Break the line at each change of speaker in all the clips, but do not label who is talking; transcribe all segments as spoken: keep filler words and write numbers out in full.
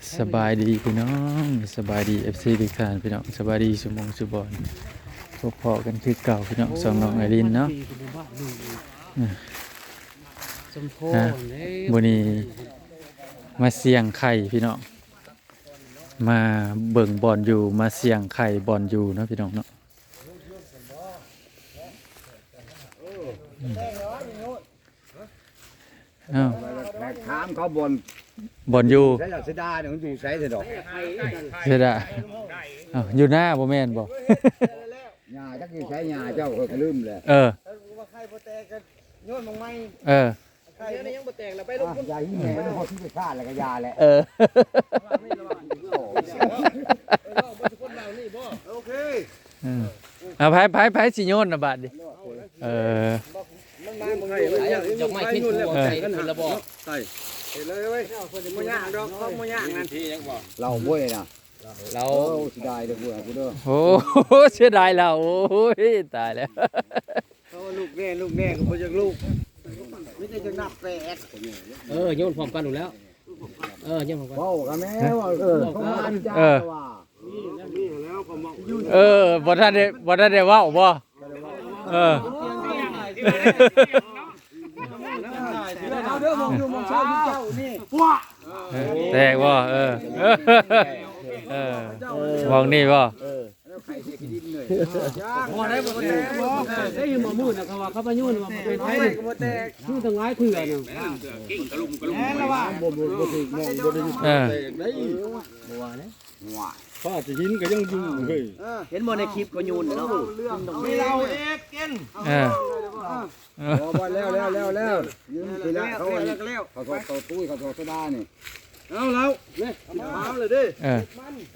สบายดีพี่น้องสบายดี เอฟ ซี ทุกท่านพี่น้องสบายดีสุมงสุบอนพบพอกันคือเก่าพี่น้องสองน้องไอรินเนาะฮะวันนี้มาเสี่ยงไข่พี่น้องมาเบิ่งบอลอยู่มาเสี่ยงไข่บอลอยู่เนาะพี่น้องเนาะอ้าว
ถามเขาบน
บอลอยู่
ใช้เสดาเนี่ยมันอยู่ใช้เสดอก
เสียดายอ้าวอยู่หน้าบ่แม่นบ่
ยาจักอยู่ใช้ยาเจ้าเคยลืมเลย
เออ
ว่าใครบ่แตกกันโยนมองไม้
เออ
ใครนี่ยังบ่แตกแล้วไปลง
ยาหิ้งแหนพอที่ไปฆ่าแล้วก็ยาแหละ
เออ
โอเค
อืมเอาไผไผไผสิโยนน่ะบาดดิเออ
มันมาบ่ไงดอกไม้ขึ้นแล้วใจกันหันระบ่ใส่เห็นเลยเว้ยบ่ยากดอกเขาบ่ยากนั่นที่ยังบ่
เราบ้วยนะ
เรา
โอ้สิได้เด้อพวกกูเด้อ
โอ้โหเสียดายเราโอ้ยตายแล้ว
เขาลูกแน่ลูกแน่ก็บ่จักลูกไม่ได้จะนับแปด
เออโยนพร้อมกันอยู่แล้ว เออโยนพร้อมกัน
เว้ากันแม่ว่าเออเขามาจ้าว่า
นี่แล้วก็มองอยู่
เออบ่ทันได้บ่ทันได้เว้าบ่เออ
เอาเด้อมองอยู่มองเช้าอยู่เจ้านี่
แตกบ่เออเออมองนี่บ่
แล้วใครสิกินเลย
บ่ได้บ่แตกบ่
ได้ยินหมอมูนนะเขาว่าเขาไปยุ่นว่าเป็นไผ
ไป
นี่
ก็บ่แตก
ยุ่นทั้งหลายเถื่อเนี่ย
แน่แล้วว่า
บ่บ่บ่สิมองบ่ได้
เออ
ว่า
ป้าจะหินก็ยังอยู่เฮ้ย
เห็นบ่ในคลิปก็ยุ่นเนาะ
มีเราเอกกิน
เออ
พอบ่แล้วแล้วแล้วแล้วยืนไปแล้วเขา
แล้วก็แล้ว
เขาเขาตุ้ยเขาโซดานี่
เอาแล้วนี่เอาเลยดิ
เออ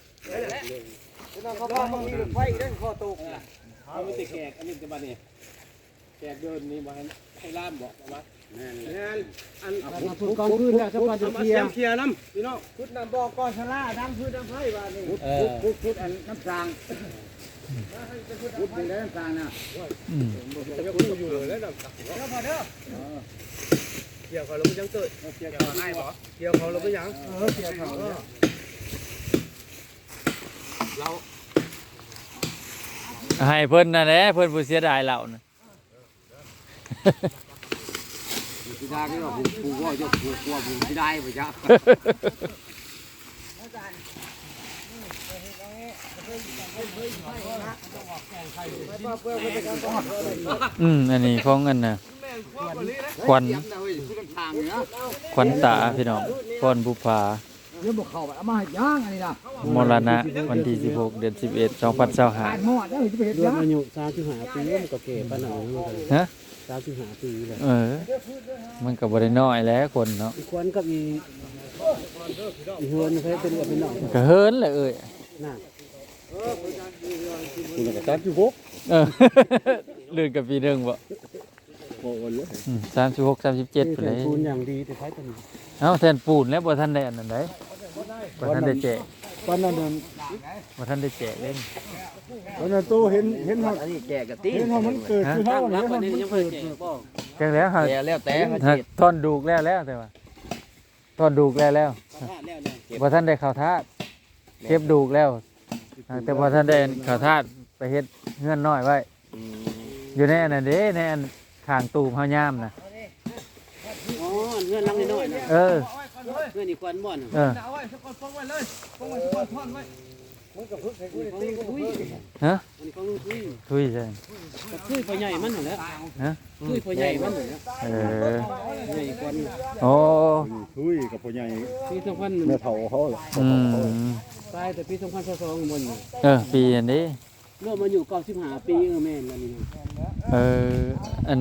เขาบอกมีไฟเด้งคอตก
เอาไม่ติดแขกอันนี้จะมาเนี่ยแขกเดินนี่มาให้ล่ามบอกว่า
แม่นอัน
มาพูดก่อนคืนแล้วสักวันจะ
เอามา
เคลี
เสี
ย
ย
ร์
งเคลียร์น้ำพี่น้องพุทธน้ำบอกก่อนชนะน้ำพืชน้ำไผ่บ้านนี่
เออ
พุดพุดอันน้ำสางพุดเป็นน้ำสางนะ
อืม
อยู่เลยแล้วน้ำเดี๋ยวพอเด้อเกี่ยวเขาเราไม่ยังเกิดเกี่ยวเขาง่ายป่ะเกี่ยวเขาเราไม่ยังเออเกี่ยวเขาเรา
ให้เพิ่นนั่นแหละเพิ่นผู้เสียดายเราน่ะ
สิดาก็ว่าผู้ผู้ว่าจะผู้กลัวผู้สิได้บ่จ๊ะ
อืมอันนี้ของอันน่ะควันควันตาพี่น้องพรบุภา
เดี๋ยวบ่เข้าไปเอามาให้ย่างอันนี้ล่ะ
มรณะวันที่สิบหกเดือนสิบเอ็ดสองพันยี่สิบห้า
อ่านหมดแล้วสิไปเฮ็ด
รว
ย่าม ง
อายุสามสิบห้าปีมันก็เก๋ปานนั้นมันก็
ฮะ
สามสิบห้าปีเลย
เออ มันก็บ่ได้น้อยแล้วคนเนาะ
อีกคนกับอีอีเฮือนเคยเป็นกับเป็นน้อง
ก็เฮินแหละเอ้ย
น่ะ
คุณก็ตัดอยู่พก
เออ ลื่นกับปีหนึงบ่
โอ้ย
อืมสามสิบหก สามสิบเจ็ด
ที่
ไป
เป็
เล
น
ย
ปูนอย่างดีแต่ใช้ตัวนี้
เอ้าแทนปูนแล้วบ่ทันได้อันนั้นได้บ่ทันได้แจก
ตอนนั้น
บ่ทันได้แจกเล่น
ตอนนั้นโตเห็นเห็นเฮา
อันนี้แก่กับตี
เห็นเฮามันเกิดคือเฮา
นั
เนี่ย
บวันนี้ยังเพิ่งแก่บ่
แจกแล้วครับ
แก่แล้วแต่เขา
ฮะ
เจ็ด
ท่อนดูกแล้วแล้วแต่ว่าท่อนดูกแล้วแล้ว
พลาดแล้วเนี่ย
บ่ทันได้เข้าทาสเก็บดูกแล้วอ่าแต่บ่ทันได้เข้าทาสไปเฮ็ดเฮือนน้อยไว้ อยู่ในอันนั้นเด้ในอันข้างตูมเฮายามน่ะ
อ๋อเงื่อนลังน้อยๆนะ
เออ
เงื่อนอีกควันบ่อน
เออ
เอาไว้สักคนฟ้องไว้เลยฟ้องไว้สักคนท่อนไว้มึงกับพึ่งใส่กู
ของ
ตี
ลุง
กู
ทุย
ฮะ
อันนี้ของลุงทุย
ทุยใช่
กับทุยพ่อใหญ่มันนั่นแหละ
ฮะ
ทุยพ่อใหญ่มันนั่นแหละ
เออ
ใหญ่กว่านี้
โอ้
ทุยกับพ่อใหญ่
ปีสองพัน
แม่เฒ่าเขา
อืม
ตายแต่ปีสองพันสองบน
เออปีอันนี้
รวมมาอยู่เก้าสิบห้าปีเออแม่นแล้วนี่
เอออัน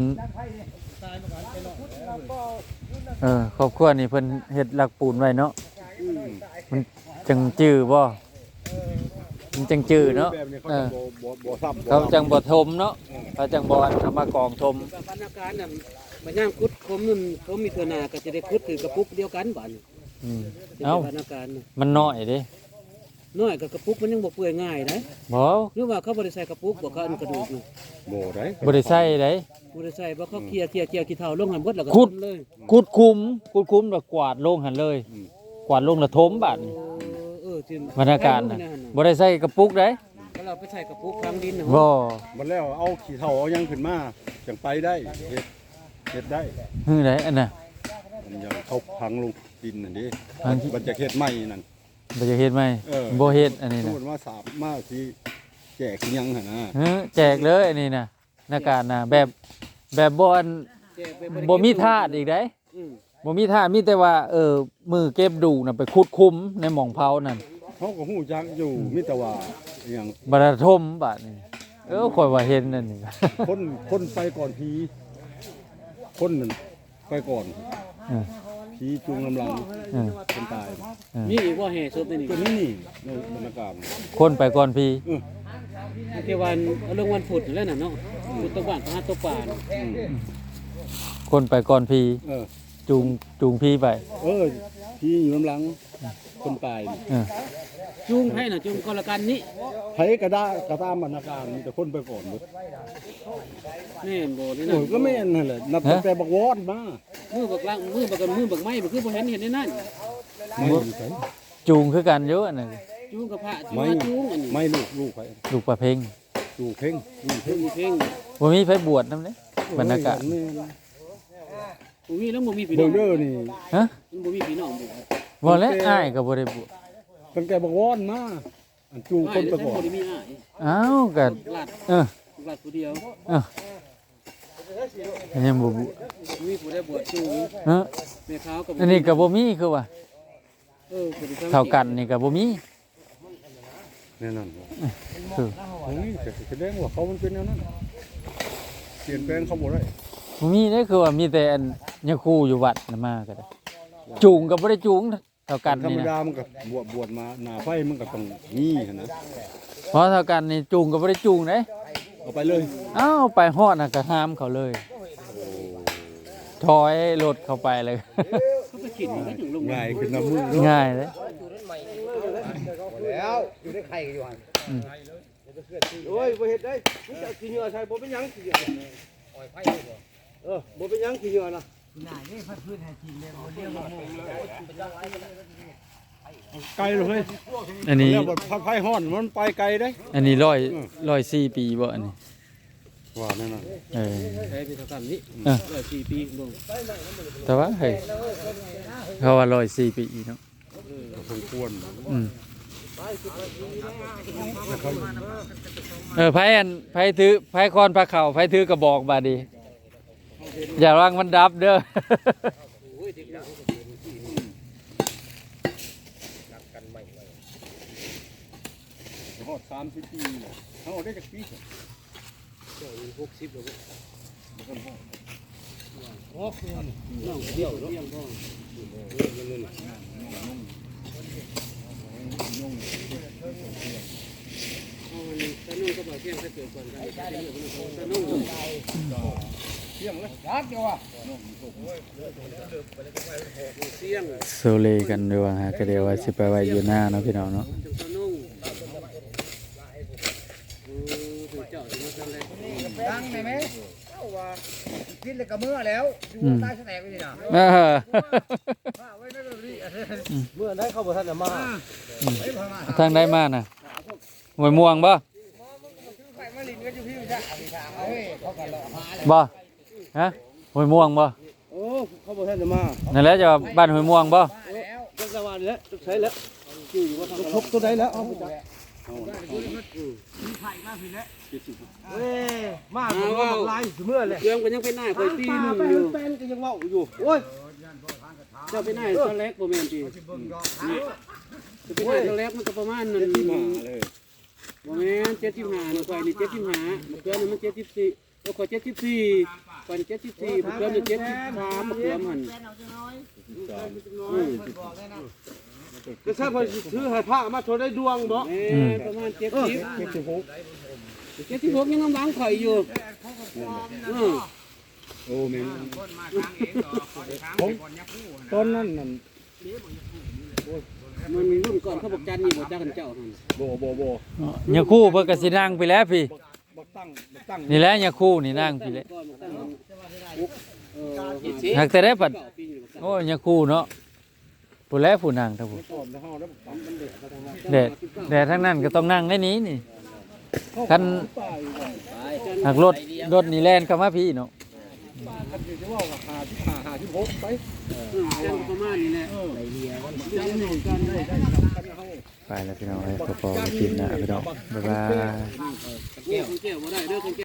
เออครอบครัวนี่เพิ่นเฮ็ดหลักปูนไว้เนาะมันจังจื้อบ่มันจังจื้อเนาะ
แบบนี้เขา
เอ
จะ
อ
บ่บ่บ่ซ้ำ
เขาจังบ่ทมเนาะเขาจังบ่อันเอามากองทม
กับบรรณาการน่ะมันย่างคุดคมนั่นเขามีตัวหนาก็จะได้คุดถือกระปุกเดียวกันบ้าน
อืม
เป็น
เอ้า
บรรณาการน่ะ
มันน้อยเด้
น้อยกับกระปุกมันยังบ่เปื่อยง่ายนะ
บ่
หรือว่าเขาบ่ได้ใส่กระปุกบ่เขาอันกระดูกน่ะ
บ่ได้
บ่ได้ใส่เด้
บ่ได้ใส่บ่เขาเคลียร์เคลียร์เคลียร์ขี้เถ้าลงหันเบิดแล้วก็
ขุด
ทำเลย
ขุดคุ้มขุดคุ้มแล้วกวาดลงหั่นเลย กกวาดลงละทมบาดนี่
เออที่
บรรยากาศน่ะบ่ได้ใส่กระปุกเด้
ก็เราไปใส่กระปุกฝังดินนะ
บ่
มันแล้วเอาขี้เถ้าเอาหยังขึ้นมาจังไปได้เฮ็ดเฮ็ดได้
ฮือไดอันน่ะ
มันยังเขาพังลงดินนั่นดิ
พังที่
มันจะเฮ็ดใหม่นั่น
บ่จะเฮ็ดไหม
เออ
บ่เฮ็ดอันนี้
พู
น่ะ
ดว่าสามมาสิแจกสิยังหั่นนะ
เออแจกเลยอันนี้น่ะหน้ากากน่ะแบบแบบบ่อัน
แจกไปได้
บ่มีธาตุอีกเด้
อืม
บ่มีธาตุมีแต่ว่าเออมือเก็บดูน่ะไปขุดคุมในหม่องเผานั่น
เขาก็ฮู้จักอยู่มีแต่ว่าอหยัง
บรรทมบาดนี่เออข่อยว่าเห็นนั่นนี่
คนคนไปก่อนผีคนนั่นไปก่อน
เออ
ผีจูงลำหลัง
เออ
คนตาย
มีอีกว่าแห่ศพนี่
ตัวนี้นี่ในบรรยากาศ
คนไปก่อนพี่
เออ
เทวันเอาเรื่องวันพุธแล้วน่ะเนาะพุธตะวันพระหัตถ์ตะป่าน่ะ
อืม
คนไปก่อนพี่
เออ
จูงจูงพี่ไป
เออผีอยู่ลำหลังคนตายนี่
เออ
จูงให้น่ะจูงคนละกันนี่
ไผก็ได้ก็ตามบรรยากาศมีแต่คนไปก่อนหมด
แม่นบ่นี่
โอ้
น่ะ
ยก็แม่นนั่นแหละนับตั้งแต่บักวอนมา
มือบักลังมือบักกันมือบักไม้บ่คือบ่เห็นเห็นในนั้น
ไม่อยู่ไส
จูงคือกันเยอะนั่น
จูงกับพระจูง
ไม่
มาจูงอันนี้
ไม่ลูกลูกไป
ลูกประเพ็ง
ลูกเพ่งลูกเพ่
เพ่
ง
งเพ่ง
บ่มีไผบวชนำเด้บรรยากาศ
แม่น
บ่มีแล้วบ่มีพี่น้
เบิ่
อง ง
เด้อนี่
ฮะ
มันบ่มีพี่น้องบ่
บ่แล้วอ้ายก็บ่ได้บวช
ตั้งแต่บักวอนมาอันจูงคนไปก่อน
บ่ได้มีอ้าย
อ้าวก็
ลาด
เออ
ลาดผู้เดียว
เออยังบ่บวช
มีผู้ได้บวชจูง
เออ
แม่ขาวกับ
อันนี้ก็บ่มีคือว่า
เออผู้ที่ทำ
เท่ากันนี่ก็บ่มี
แน่นอน
คือ
โอ้ยแต่แสดงว่าเขามันเป็นแนวนั้นเปลี่ยนแปลงเขาบ่ได้
บ่มีเด้คือว่ามีแต่อันยาคูอยู่วัดน่ะมาก็ได้จูงก็บ่ได้จูงเท่ากัน
ธรร
นี่
ม
นะ
ดามันก็บวชบวชมาหน้าไฟมันก็ต้องมีหั่นนะ
เพราะเท่ากันนี่จูงก็บ่ได้จูงเด้
เอาไปเลย
เอ้าไปฮอดน่ะก็ห้ามเขาเลยถอยรถเข้าไปเลย
เขาไปขิดมันก็ถึงลง
ง่ายขึ้นน้ำมือ
ง่ายเลย
แล้วอยู่ในไข่กันอยู่หัน
โอ้ยบ่เฮ็ดได้มึงจะเอาขี้เหงื่อใส่บ่เป็นหยังขี้เหงื่อเออบ่เป็นหยังขี้เหงื่อนะ
ไกลเลยเฮ้ย
อันนี้
เรียกว่าพักไฟฮ้อนมันไปไกลได้
อันนี้ร้อยร้อยสี่ปีบ่อันนี้
ว่าแน่นอน
เออ
ใช้ไปเท่ากันนี้
เออ
ร้อยสี่ปีลง
แต่ว่าเฮ้ยเขาว่าร้อยสี่ปีเนาะ
ก็สมควร
อืมเออไผอันไผถือไผคอนพระเข่าไผถือกระบอกบาดนีอย่ารังมันดับเด้อ
ฮอดสามสิบปีแล้วเขาได้จักปี
หกสิบแล้วน้องเดียวเดียวพ่อเอาอันนี้ตะนุ่งก็บอกเที่ยงถ้าเกิดก่อนกันตะนุ่ง
เที่ยงเลยรักเดียวอ่ะ
เที่ยง
โซเลกันด้วยว่าฮะก็เดี๋ยวว่าสิไปไว้อยู่หน้าเนาะพี่น้องเนาะ
จังตะนุ่งเออถึงเจ้าถึงมาสั่นเลย
ดังไหมไหมเอ้าว่ากินเลยกับเมื่อแล้วอยู่ใต้แสนไปนี่นะ
เออ
ไว้นั่นเลย
เมื่อนั้นเขาบ่ทันได้มา
ไอ้พม่า
ทางได้มาน่ะหวยม่วงบ่
ไข่มาลินก็อยู่พี่จ้ะพี่ชาเฮ้ยเขาก็หลอกหาเลย
บ่ฮะหวยม่วงบ่
โอ้เขาบ่ทันได้มา
นั่นแหละจะว่าบ้านหวยม่วงบ่
มาแล้ว
จังสวรรค์แล้วใช้แล้วอยู่อยู่ว่าทำชกตัวใดแล้วเอาไปจับเว้ยมาบ่ว่าลายเมื่อเลย
เครื่องก็ยังเป็นหน้าคอยตีหนึง
ไป
อยู่
แป้นก็ยังเว้าอยู่โอ้ย
เจ้าเป็นหน้าตอนแรกบ่แม่นติจะเป็นหน้าตอนแรกมันก็ประมาณนั้น
มาเลย
บ่แม่นเจ็ดสิบห้านะข่อยนี่เจ็ดสิบห้าบักเกือนี่มันเจ็ดสิบสี่แล้วข่อยเจ็ดสิบสี่ข่อยนี่เจ็ดสิบสี่บักเกือนี่เจ็ดสิบสามบักเกือมันอืม
ก็ทราบว่าถือให้พระมาโชว์ได้ดวงบ่
แม่นประมาณเจ็ดสิบเจ็ดสิบหกเจ็ดสิบหกยังกำลังข่อยอยู่อือ
โอ้แม่นผมตอนนั้นนั่น
มันมีรุ่นก่อนเขาบอกจันนี่บ่จักกันเจ้าหั่น
บ่บ่บ่
ยาคู่เพิ่นก็สินั่งไปแล้วพี่
บักตั้งบักตั้ง
นี่แหละยาคู่นี่นั่งพี่แหละ
ก่อนมาตั้งเออ
หากแต่ได้ปัด
เก้าปีนี่บ่ตั้ง
โอ้ยยาคู่เนาะผู้แลผู้นั่งทั้งผู้
พร้อมแล้วเฮาแล้วปั๊มมันเด็ดมาทางนั้น
แดดแดดทั้งนั้นก็ต้องนั่งได้นี้นี่คันหักรถรถนี่แล่นเข้ามาพี่เนาะ
คันสิว่าว่าหาที่หาหาที่หกไป
แจ้งประมาณนี้แหละ
จังหนึ่งกันได้ได้กันเฮา
ไปแล้วพี่น้องไปพอๆกินนะพี่น้องบ๊ายบาย
แก้วแก้วบ่ได้เด้อ